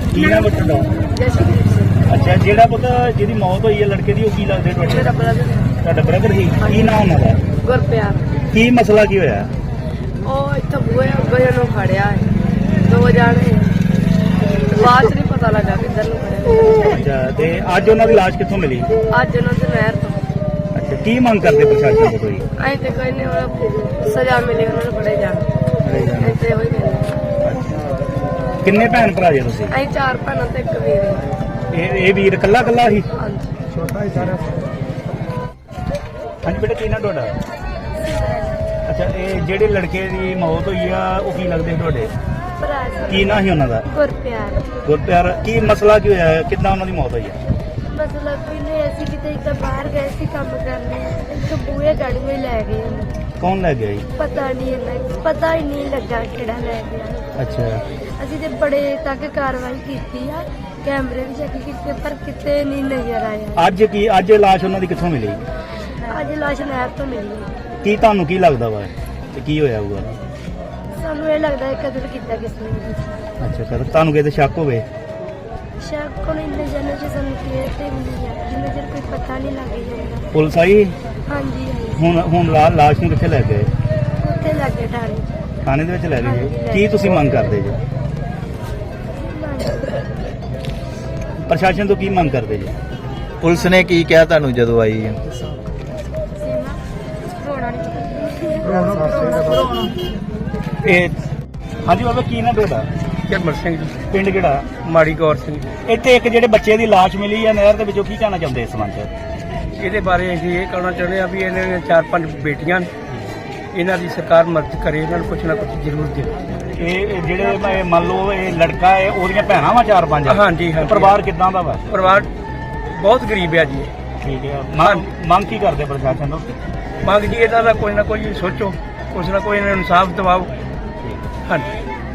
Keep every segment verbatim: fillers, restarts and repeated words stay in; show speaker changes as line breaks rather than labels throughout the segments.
ਕੀ ਨਾਮ ਹੈ ਤੁਹਾਡਾ? ਅੱਛਾ, ਜਿਹੜਾ ਪੁੱਤ ਜਿਹਦੀ ਮੌਤ ਹੋਈ ਹੈ ਲੜਕੇ ਦੀ, ਉਹ ਕੀ ਲੱਗਦੇ ਤੁਹਾਡੇ?
ਮੇਰਾ ਬ੍ਰਦਰ
ਤੁਹਾਡਾ ਬ੍ਰਦਰ ਹੀ? ਕੀ ਨਾਮ ਉਹਨਾਂ ਦਾ?
ਗੁਰਪਿਆਰ।
ਕੀ ਮਸਲਾ ਕੀ ਹੋਇਆ?
ਉਹ ਇੱਥੇ ਬੂਹੇ ਅੱਗੇ ਨੂੰ ਖੜਿਆ ਹੈ, ਦੋ ਜਾਣੇ ਬਾਅਦ ਚ ਨਹੀਂ ਪਤਾ ਲੱਗਾ ਕਿੱਧਰ ਨੂੰ ਖੜਿਆ।
ਅੱਛਾ, ਤੇ ਅੱਜ ਉਹਨਾਂ ਦੀ ਲਾਸ਼ ਕਿੱਥੋਂ ਮਿਲੀ?
ਅੱਜ ਉਹਨਾਂ ਦੇ ਨਹਿਰ ਤੋਂ।
ਅੱਛਾ, ਕੀ ਮੰਗ ਕਰਦੇ ਪ੍ਰਸ਼ਾਸਨ ਤੋਂ ਕੋਈ?
ਅਸੀਂ ਤੇ ਕੋਈ ਨਹੀਂ, ਸਜ਼ਾ ਮਿਲੀ ਉਹਨਾਂ ਨੂੰ ਫੜੇ ਜਾਣ। ਅਸੀਂ ਤੇ ਉਹੀ ਕਹਿੰਦੇ।
ਕਿੰਨੇ ਭੈਣ ਭਰਾ ਜੇ ਤੁਸੀਂ?
ਅਸੀਂ ਚਾਰ ਭੈਣਾਂ ਤੇ ਇੱਕ ਵੀਰ ਹਾਂ।
ਇਹ ਇਹ ਵੀਰ ਇਕੱਲਾ ਇਕੱਲਾ ਸੀ?
ਹਾਂਜੀ।
ਛੋਟਾ ਹੀ ਸਾਰਾ। ਹਾਂਜੀ ਬੇਟਾ, ਕੀ ਨਾਮ ਤੁਹਾਡਾ? ਅੱਛਾ, ਇਹ ਜਿਹੜੇ ਲੜਕੇ ਦੀ ਮੌਤ ਹੋਈ ਆ ਉਹ ਕੀ ਲੱਗਦੇ ਤੁਹਾਡੇ?
ਭਰਾ
ਕੀ ਨਾਂ ਸੀ ਉਹਨਾਂ ਦਾ?
ਗੁਰਪਿਆਰ।
ਗੁਰਪਿਆਰ। ਕੀ ਮਸਲਾ ਕੀ ਹੋਇਆ? ਕਿੱਦਾਂ ਉਹਨਾਂ ਦੀ ਮੌਤ ਹੋਈ ਹੈ?
ਮਤਲਬ ਪਹਿਲੇ ਅਸੀਂ ਕਿਤੇ ਇੱਦਾਂ ਬਾਹਰ ਗਏ ਸੀ ਕੰਮ ਕਰਨੇ, ਇੱਕ ਬੂਹੇ ਗਾੜੀ ਵਿੱਚ ਲੈ ਗਏ ਉਹਨੂੰ।
ਕੌਣ ਲੈ ਗਿਆ ਜੀ?
ਪਤਾ ਨਹੀਂ ਇਹਨਾਂ ਪਤਾ ਹੀ ਨਹੀਂ ਲੱਗਾ ਕਿਹੜਾ ਲੈ ਗਿਆ।
ਅੱਛਾ,
ਅਸੀਂ ਤੇ ਬੜੇ ਤੱਕ ਕਾਰਵਾਈ ਕੀਤੀ ਆ, ਕੈਮਰੇ ਵੀ ਚੈੱਕ ਕੀਤੇ, ਪਰ ਕਿਤੇ ਨਹੀਂ ਨਜ਼ਰ ਆਇਆ।
ਅੱਜ ਕੀ ਅੱਜ ਲਾਸ਼ ਉਹਨਾਂ ਦੀ ਕਿੱਥੋਂ ਮਿਲੀ?
ਅੱਜ ਲਾਸ਼ ਨਹਿਰ ਤੋਂ ਮਿਲੀ ਹੈ।
ਕੀ ਤੁਹਾਨੂੰ ਕੀ ਲੱਗਦਾ ਵਾ ਤੇ ਕੀ ਹੋਇਆ ਹੋਊਗਾ?
ਸਾਨੂੰ ਇਹ ਲੱਗਦਾ ਹੈ ਕਤਲ ਕੀਤਾ ਕਿਸ ਨੇ।
ਅੱਛਾ ਸਰ, ਤੁਹਾਨੂੰ ਕਿਤੇ ਸ਼ੱਕ ਹੋਵੇ?
ਸ਼ੱਕ ਕੋਲ ਇੰਨੇ ਜਨੇ ਚ ਸਾਨੂੰ ਕਲੀਅਰ ਤੇ ਮਿਲੀ ਹੈ, ਜਿੰਨੇ ਚਿਰ ਕੋਈ ਪਤਾ ਨਹੀਂ ਲੱਗ ਜਾਂਦਾ।
ਪੁਲਿਸ ਆਈ?
ਹਾਂਜੀ ਹਾਂਜੀ।
ਹੁਣ ਹੁਣ ਲਾ- ਲਾਸ਼ ਨੂੰ ਕਿੱਥੇ ਲੈ ਗਏ?
ਉੱਥੇ ਲੱਗੇ ਠਾਣੇ।
ਥਾਣੇ ਦੇ ਵਿੱਚ ਲੈ ਗਏ ਜੀ?
ਹਾਂਜੀ, ਲੈ
ਕੀ ਤੁਸੀਂ ਮੰਗ ਕਰਦੇ ਜੀ? ਪ੍ਰਸ਼ਾਸਨ ਤੋਂ ਕੀ ਮੰਗ ਕਰਦੇ ਜੀ?
ਪੁਲਿਸ ਨੇ ਕੀ ਕਿਹਾ ਤੁਹਾਨੂੰ ਜਦੋਂ ਆਈ ਹੈ?
ਇਹ ਹਾਂਜੀ ਬਾਬਾ, ਕੀ ਨਾ ਤੁਹਾਡਾ?
ਜਰਮਲ ਸਿੰਘ ਜੀ,
ਪਿੰਡ ਕਿਹੜਾ?
ਮਾੜੀ ਗੌਰ ਸਿੰਘ ਜੀ।
ਇੱਥੇ ਇੱਕ ਜਿਹੜੇ ਬੱਚੇ ਦੀ ਲਾਸ਼ ਮਿਲੀ ਆ ਨਹਿਰ ਦੇ ਵਿੱਚੋਂ, ਕੀ ਕਹਿਣਾ ਚਾਹੁੰਦੇ ਇਸ ਸੰਬੰਧ 'ਚ?
ਇਹਦੇ ਬਾਰੇ ਅਸੀਂ ਇਹ ਕਹਿਣਾ ਚਾਹੁੰਦੇ ਆ ਵੀ ਇਹਨਾਂ ਨੇ ਚਾਰ ਪੰਜ ਬੇਟੀਆਂ ਨੇ, ਇਹਨਾਂ ਦੀ ਸਰਕਾਰ ਮਦਦ ਕਰੇ, ਇਹਨਾਂ ਨੂੰ ਕੁਛ ਨਾ ਕੁਛ ਜ਼ਰੂਰ ਦੇ।
ਇਹ ਇਹ ਜਿਹੜੇ ਇਹ ਮੰਨ ਲਓ ਇਹ ਲੜਕਾ ਹੈ, ਉਹਦੀਆਂ ਭੈਣਾਂ ਵਾ ਚਾਰ ਪੰਜ?
ਹਾਂਜੀ ਹਾਂਜੀ।
ਪਰਿਵਾਰ ਕਿੱਦਾਂ ਦਾ ਵਾ?
ਪਰਿਵਾਰ ਬਹੁਤ ਗਰੀਬ ਆ ਜੀ।
ਠੀਕ ਹੈ, ਮੰਗ ਮੰਗ ਕੀ ਕਰਦੇ ਪ੍ਰਸ਼ਾਸਨ ਤੋਂ?
ਮੰਗ ਜੀ ਇਹਨਾਂ ਦਾ ਕੋਈ ਨਾ ਕੋਈ ਸੋਚੋ, ਕੁਛ ਨਾ ਕੋਈ ਇਹਨਾਂ ਨੂੰ ਇਨਸਾਫ ਦਿਵਾਓ। ਹਾਂਜੀ,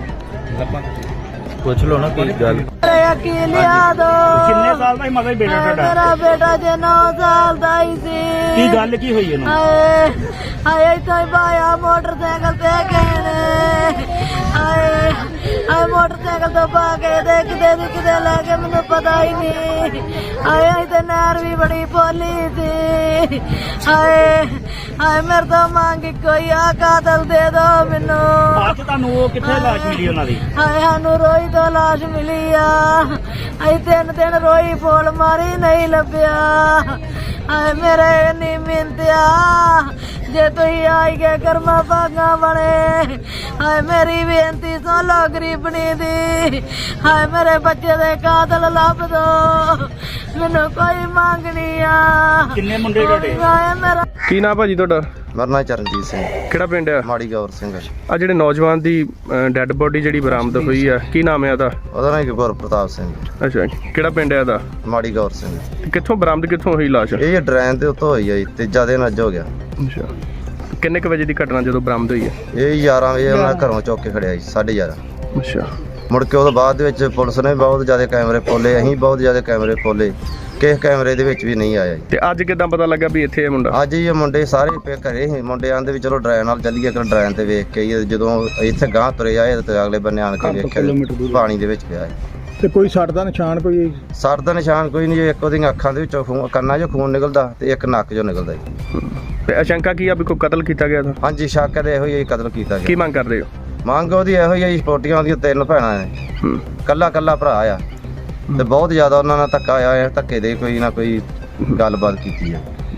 ਪੁੱਛ ਲਓ ਨਾ ਕੀ ਗੱਲ।
ਕੀ ਲਿਆ ਦੋ।
ਕਿੰਨੇ ਸਾਲ ਦਾ ਹੀ ਮਤਲਬ ਬੇਟਾ ਤੁਹਾਡਾ?
ਮੇਰਾ ਬੇਟਾ ਜੇ ਨੌ ਸਾਲ ਦਾ ਹੀ ਸੀ।
ਕੀ ਗੱਲ ਕੀ ਹੋਈ ਇਹਨੂੰ?
ਹਾਏ ਹਾਏ, ਇੱਥੋਂ ਹੀ ਪਾਇਆ ਮੋਟਰਸਾਈਕਲ ਤੇ ਗਏ ਨੇ। ਹਾਏ ਹਾਏ, ਮੋਟਰਸਾਈਕਲ ਤੋਂ ਪਾ ਕੇ ਤੇ ਕਿਤੇ ਦੀ ਕਿਤੇ ਲੈ ਕੇ ਮੈਨੂੰ ਪਤਾ ਹੀ ਨਹੀਂ। ਹਾਏ ਹਾਏ, ਤੇ ਨਹਿਰ ਵੀ ਬੜੀ ਪੋਲੀ ਸੀ। ਹਾਏ ਹਾਏ, ਮੇਰੇ ਤੋਂ ਮੰਗ ਕੋਈ ਆ ਕਾਤਲ ਦੇ ਦੋ ਮੈਨੂੰ।
ਅੱਜ ਤੁਹਾਨੂੰ ਉਹ ਕਿੱਥੇ ਲਾਸ਼ ਮਿਲੀ ਉਹਨਾਂ ਦੀ?
ਹਾਏ, ਸਾਨੂੰ ਰੋਈ ਤੋਂ ਲਾਸ਼ ਮਿਲੀ ਆ। ਅਸੀਂ ਤਿੰਨ ਦਿਨ ਰੋਈ ਫੋਲ ਮਾਰੀ, ਨਹੀਂ ਲੱਭਿਆ। ਹਾਏ ਮੇਰੇ ਇੰਨੀ ਮਿਹਨਤ ਆ, ਜੇ ਤੁਸੀਂ ਆਈ ਗਏ ਕਰਮਾ ਭਾਗਾ ਬਣੇ। ਹਾਏ ਮੇਰੀ ਬੇਨਤੀ ਸੁਣ ਲੋ ਗਰੀਬਣੀ ਦੀ। ਹਾਏ ਮੇਰੇ ਬੱਚੇ ਦੇ ਕਾਤਲ ਲੱਭ ਦੋ, ਮੈਨੂੰ ਕੋਈ ਮੰਗ ਨਹੀਂ ਆ।
ਕਿੰਨੇ ਮੁੰਡੇ ਤੁਹਾਡੇ?
ਹਾਏ ਮੇਰਾ
ਕੀ ਨਾਮ ਭਾਜੀ ਤੁਹਾਡਾ?
ਮੇਰਾ ਨਾਂ ਚਰਨਜੀਤ ਸਿੰਘ,
ਕਿਹੜਾ ਪਿੰਡ ਆ?
ਮਾੜੀ ਗੌਰ ਸਿੰਘ।
ਆ ਜਿਹੜੇ ਨੌਜਵਾਨ ਦੀ ਡੈੱਡ ਬੋਡੀ ਜਿਹੜੀ ਬਰਾਮਦ ਹੋਈ ਆ, ਕੀ ਨਾਮ ਹੈ ਉਹਦਾ?
ਉਹਦਾ ਨਾਂ ਗੁਰ ਪ੍ਰਤਾਪ ਸਿੰਘ,
ਅੱਛਾ, ਕਿਹੜਾ ਪਿੰਡ ਹੈ ਇਹਦਾ?
ਮਾੜੀ ਗੌਰ ਸਿੰਘ।
ਕਿੱਥੋਂ ਬਰਾਮਦ ਕਿੱਥੋਂ ਹੋਈ ਲਾਸ਼?
ਇਹ ਡਰੈਨ ਦੇ ਉੱਤੋਂ ਹੋਈ ਆ ਜੀ, ਤੀਜਾ ਦਿਨ ਅੱਜ ਹੋ ਗਿਆ।
ਅੱਛਾ, ਕਿੰਨੇ ਕੁ ਵਜੇ ਦੀ ਘਟਨਾ ਜਦੋਂ ਬਰਾਮਦ ਹੋਈ ਹੈ?
ਇਹ ਗਿਆਰਾਂ ਵਜੇ ਉਹਨਾਂ ਘਰੋਂ ਚੁੱਕ ਕੇ ਖੜਿਆ ਜੀ, ਸਾਢੇ ਗਿਆਰਾਂ।
ਅੱਛਾ,
ਮੁੜ ਕੇ ਉਹਦੇ ਬਾਅਦ ਦੇ ਵਿੱਚ ਪੁਲਿਸ ਨੇ ਬਹੁਤ ਜ਼ਿਆਦਾ ਕੈਮਰੇ ਖੋਲੇ, ਅਸੀਂ ਬਹੁਤ ਜ਼ਿਆਦਾ ਕੈਮਰੇ ਖੋਲੇ, ਕਿਸੇ ਕੈਮਰੇ ਦੇ ਵਿੱਚ ਵੀ ਨਹੀਂ ਆਇਆ ਜੀ।
ਤੇ ਅੱਜ ਕਿੱਦਾਂ ਪਤਾ ਲੱਗਾ ਵੀ ਇੱਥੇ ਇਹ ਮੁੰਡਾ?
ਅੱਜ ਇਹ ਮੁੰਡੇ ਸਾਰੇ ਪੇ ਘਰੇ ਸੀ, ਮੁੰਡੇ ਆਂਦੇ ਵੀ ਚਲੋ ਡਰੈਨ ਨਾਲ ਚੱਲੀਏ, ਕਿ ਡਰੈਨ ਤੇ ਵੇਖ ਕੇ ਆਈਏ। ਜਦੋਂ ਇੱਥੇ ਗਾਂਹ ਤੁਰੇ ਆਏ ਤੇ ਅਗਲੇ ਬੰਨੇ ਆਣ ਕੇ ਵੇਖਿਆ ਪਾਣੀ ਦੇ ਵਿੱਚ ਪਿਆ ਹੈ।
ਤੇ ਕੋਈ ਸੱਟ ਦਾ ਨਿਸ਼ਾਨ ਕੋਈ?
ਸਰ ਦਾ ਨਿਸ਼ਾਨ ਕੋਈ ਨਹੀਂ ਜੀ, ਇੱਕ ਉਹਦੀਆਂ ਅੱਖਾਂ ਦੇ ਵਿੱਚੋਂ ਖੂਨ, ਕੰਨਾਂ 'ਚੋਂ ਖੂਨ ਨਿਕਲਦਾ ਤੇ ਇੱਕ ਨੱਕ 'ਚੋਂ ਨਿਕਲਦਾ ਜੀ।
ਤੇ ਆਸ਼ੰਕਾ ਕੀ ਆ ਵੀ ਕੋਈ ਕਤਲ ਕੀਤਾ ਗਿਆ ਤਾਂ?
ਹਾਂਜੀ, ਸ਼ੱਕ ਤੇ ਇਹੋ ਹੀ ਕਤਲ ਕੀਤਾ
ਕੀ
ਗਿਆ।
ਮੰਗ ਕਰਦੇ ਹੋ?
ਮੰਗ ਉਹਦੀ ਇਹੋ ਹੀ ਆ ਜੀ, ਸਪੋਰਟੀਆਂ ਉਹਦੀਆਂ ਤਿੰਨ ਭੈਣਾਂ ਨੇ,
ਹੂੰ,
ਕੱਲਾ ਕੱਲਾ ਭਰਾ ਆ, ਤੇ ਬਹੁਤ ਜ਼ਿਆਦਾ ਉਹਨਾਂ ਨਾਲ ਧੱਕਾ ਆਇਆ ਹੈ, ਧੱਕੇ ਦੇ ਕੋਈ ਨਾ ਕੋਈ ਗੱਲਬਾਤ ਕੀਤੀ ਹੈ।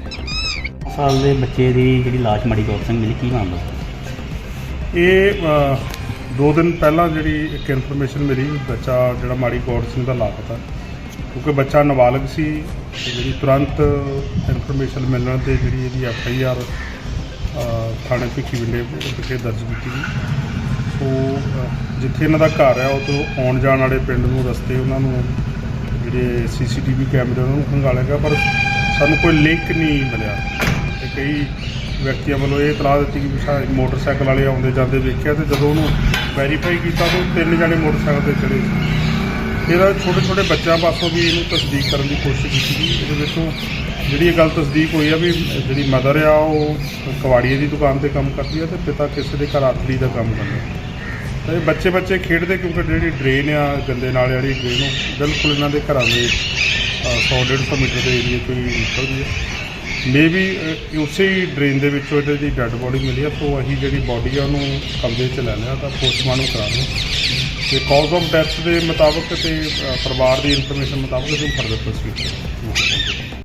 ਸਾਲ ਦੇ ਬੱਚੇ ਦੀ ਜਿਹੜੀ ਲਾਸ਼ ਮਾੜੀ ਗੌਰ ਸਿੰਘ ਮਿਲੀ, ਕੀ ਮਾਮਲਾ?
ਇਹ ਅ, ਦੋ ਦਿਨ ਪਹਿਲਾਂ ਜਿਹੜੀ ਇੱਕ ਇਨਫੋਰਮੇਸ਼ਨ ਮਿਲੀ, ਬੱਚਾ ਜਿਹੜਾ ਮਾੜੀ ਗੌਰ ਸਿੰਘ ਦਾ ਲਾਪਤਾ, ਕਿਉਂਕਿ ਬੱਚਾ ਨਾਬਾਲਗ ਸੀ। ਤੇ ਜਿਹੜੀ ਤੁਰੰਤ ਇਨਫੋਰਮੇਸ਼ਨ ਮਿਲਣ 'ਤੇ ਜਿਹੜੀ ਇਹਦੀ ਐਫ ਆਈ ਆਰ ਥਾਣੇ ਭਿੱਖੀਵਿੰਡੇ ਵਿਖੇ ਦਰਜ ਕੀਤੀ ਗਈ। ਸੋ ਅ, ਜਿੱਥੇ ਇਹਨਾਂ ਦਾ ਘਰ ਹੈ, ਉਹ ਤੋਂ ਆਉਣ ਜਾਣ ਵਾਲੇ ਪਿੰਡ ਨੂੰ ਰਸਤੇ ਉਹਨਾਂ ਨੂੰ ਜਿਹੜੇ ਸੀ ਸੀ ਟੀ ਵੀ ਕੈਮਰੇ ਉਹਨਾਂ ਨੂੰ ਖੰਗਾਲਿਆ ਗਿਆ, ਪਰ ਸਾਨੂੰ ਕੋਈ ਲਿੰਕ ਨਹੀਂ ਮਿਲਿਆ। ਤੇ ਕਈ ਵਿਅਕਤੀਆਂ ਵੱਲੋਂ ਇਹ ਇਤਲਾਹ ਦਿੱਤੀ ਕਿ ਸਾਡੇ ਮੋਟਰਸਾਈਕਲ ਵਾਲੇ ਆਉਂਦੇ ਜਾਂਦੇ ਵੇਖਿਆ, ਤੇ ਜਦੋਂ ਉਹਨੂੰ ਵੈਰੀਫਾਈ ਕੀਤਾ ਤਾਂ ਤਿੰਨ ਜਣੇ ਮੋਟਰਸਾਈਕਲ 'ਤੇ ਚੜ੍ਹੇ ਸੀ। ਇਹਦਾ ਛੋਟੇ ਛੋਟੇ ਬੱਚਿਆਂ ਪਾਸੋਂ ਵੀ ਇਹਨੂੰ ਤਸਦੀਕ ਕਰਨ ਦੀ ਕੋਸ਼ਿਸ਼ ਕੀਤੀ ਗਈ। ਇਹਦੇ ਵਿੱਚੋਂ ਜਿਹੜੀ ਇਹ ਗੱਲ ਤਸਦੀਕ ਹੋਈ ਆ ਵੀ ਜਿਹੜੀ ਮਦਰ ਆ ਉਹ ਕਬਾੜੀਏ ਦੀ ਦੁਕਾਨ 'ਤੇ ਕੰਮ ਕਰਦੀ ਆ, ਅਤੇ ਪਿਤਾ ਕਿਸੇ ਦੇ ਘਰ ਆਥਲੀ ਦਾ ਕੰਮ ਕਰਦਾ। ਤੇ ਬੱਚੇ ਬੱਚੇ ਖੇਡਦੇ ਕਿਉਂਕਿ ਜਿਹੜੀ ਡਰੇਨ ਆ ਗੰਦੇ ਨਾਲੇ ਵਾਲੀ ਡਰੇਨ ਉਹ ਬਿਲਕੁਲ ਇਹਨਾਂ ਦੇ ਘਰਾਂ ਦੇ ਸੌ ਡੇਢ ਸੌ ਮੀਟਰ ਦੇ ਏਰੀਏ ਤੋਂ ਹੀ ਨਿਕਲਦੀ ਹੈ। ਮੇ ਵੀ ਉਸੇ ਹੀ ਡਰੇਨ ਦੇ ਵਿੱਚੋਂ ਇਹਦੀ ਦੀ ਡੈੱਡ ਬੋਡੀ ਮਿਲੀ ਆ, ਤੋਂ ਅਸੀਂ ਜਿਹੜੀ ਬੋਡੀ ਆ ਉਹਨੂੰ ਕਬਜ਼ੇ 'ਚ ਲੈ ਲਿਆ ਤਾਂ ਪੋਸਟਮਾਰਟਮ ਕਰਾ ਲਿਆ ਤੇ ਕਾਜ਼ ਆਫ ਡੈਥ ਦੇ ਮੁਤਾਬਕ ਤੇ ਅ, ਪਰਿਵਾਰ ਦੀ ਇਨਫੋਰਮੇਸ਼ਨ ਮੁਤਾਬਕ ਅਸੀਂ ਫਰਦਰ ਪ੍ਰੋਸੀਡ ਕਰਾਂਗੇ।